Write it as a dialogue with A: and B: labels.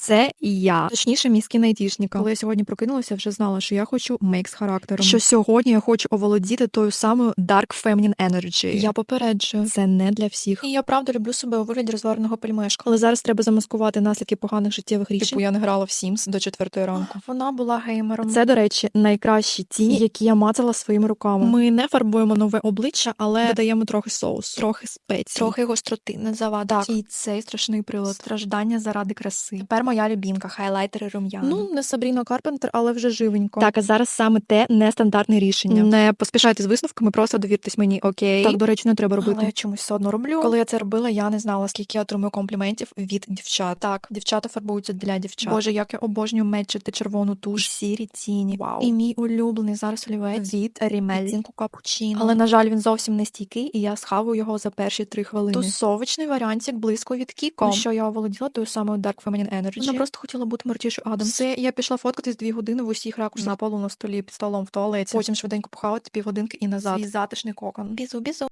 A: Це я. Точніше, мій скін айтішника. Коли я сьогодні прокинулася, вже знала, що я хочу мейк з характером. Що сьогодні я хочу оволодіти тою самою Dark Feminine Energy. Я попереджую, це не для всіх. І я правда люблю себе у вигляді розвареного пельмешка. Але зараз треба замаскувати наслідки поганих життєвих рішень. Типу я не грала в Sims до 4 ранку. Вона була геймером. Це, до речі, найкращі тіні, які я мацала своїми руками. Ми не фарбуємо нове обличчя, але додаємо трохи соусу, трохи спецій, трохи гостроти, не завада. І цей страшний прилад. Страждання заради краси. Тепер моя любімка, хайлайтери рум'яна. Ну, не Сабріна Карпентер, але вже живенько. Так, а зараз саме те нестандартне рішення. Не поспішайте з висновками, просто довіртесь мені, окей? Так, до речі, не треба робити. Але я чомусь все одно роблю. Коли я це робила, я не знала, скільки я отримую компліментів від дівчат. Так, дівчата фарбуються для дівчат. Боже, як я обожнюю мечити червону туш, сірі тіні. Вау. І мій улюблений зараз олівець від Rimmel. Відтінку капучино. Але, на жаль, він зовсім не стійкий, і я схаваю його за перші 3 хвилини. Тусовочний варіантик близько від Кіко. Ну, що я оволоділа тою самою Dark Feminine Energy. Вона просто хотіла бути Мертішою Адамс. Все, я пішла фоткатись 2 години в усіх ракурсах на полу, на столі, під столом, в туалеті. Потім швиденько похавати півгодинки і назад. Свій затишний кокон. Бізу-бізу.